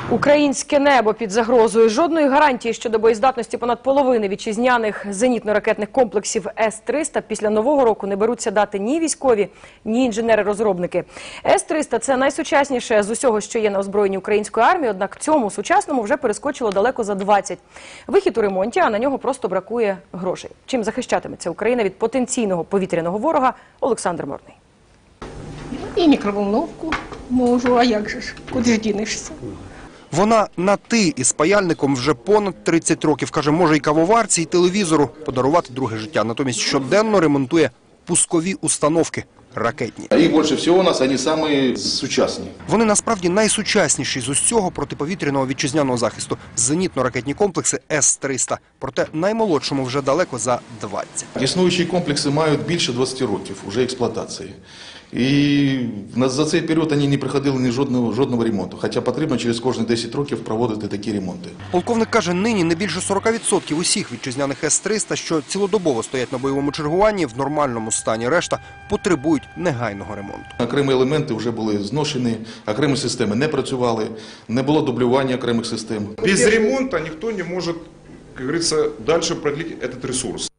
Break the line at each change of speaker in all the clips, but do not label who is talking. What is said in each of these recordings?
Українське небо під загрозою. Жодної гарантії щодо боєздатності понад половини вітчизняних зенітно-ракетних комплексів С-300 після Нового року не беруться дати ні військові, ні інженери-розробники. С-300 – це найсучасніше з усього, що є на озброєнні української армії, однак цьому сучасному вже перескочило далеко за 20. Вихід у ремонті, а на нього просто бракує грошей. Чим захищатиметься Україна від потенційного повітряного ворога – Олександр Морний.
І мікроволновку можу, а як же ж, куди ж дінешся?
Вона на «ти» із паяльником вже понад 30 років. Каже, може і кавоварці, і телевізору подарувати друге життя. Натомість щоденно ремонтує пускові установки ракетні.
Їх більше всього у нас, вони самі сучасні.
Вони насправді найсучасніші з усього протиповітряного вітчизняного захисту. Зенітно-ракетні комплекси С-300. Проте наймолодшому вже далеко за 20.
Існуючі комплекси мають більше 20 років уже експлуатації. І за цей період вони не проходили ні жодного ремонту. Хоча потрібно через кожні 10 років проводити такі ремонти.
Полковник каже, нині не більше 40% усіх вітчизняних С-300, що цілодобово стоять на бойовому чергуванні, в нормальному стані. Решта потребують негайного ремонту.
Окремі елементи вже були зношені, окремі системи не працювали, не було дублювання окремих систем.
Без ремонту ніхто не може, як говориться, далі продлити цей ресурс.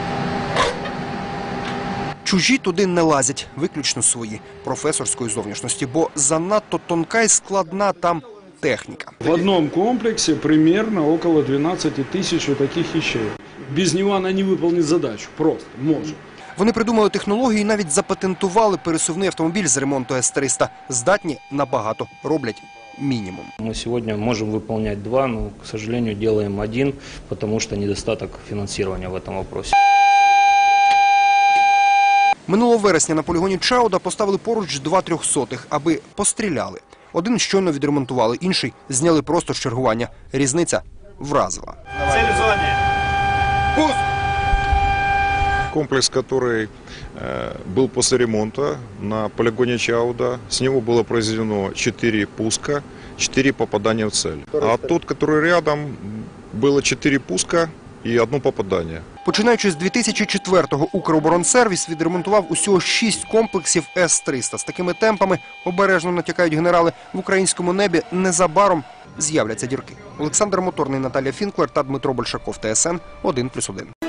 Чужі туди не лазять, виключно свої, професорської зовнішності, бо занадто тонка і складна там техніка.
В одном комплексе примерно около 12 тысяч вот таких вещей. Без него она не выполнит задачу, просто может.
Вони придумали технологію і навіть запатентували пересувний автомобіль з ремонту С-300. Здатні набагато, роблять мінімум.
Мы сегодня можем выполнять два, но, к сожалению, делаем один, потому что недостаток финансирования в этом вопросе.
Минулого вересня на полігоні Чауда поставили поруч два 300-х, аби постріляли. Один щойно відремонтували, інший зняли просто з чергування. Різниця вразила.
Цель в зоні.
Пуск!
Комплекс, который был после ремонта на полигоне Чауда, с него было произведено 4 пуска, 4 попадания в цель. А тот, который рядом, было 4 пуска і 1 попадання.
Починаючи з 2004-го, Укроборонсервіс відремонтував усього 6 комплексів С-300. З такими темпами, обережно натякають генерали, в українському небі незабаром з'являться дірки. Олександр Моторний, Наталія Фінклер та Дмитро Большаков, ТСН 1+1.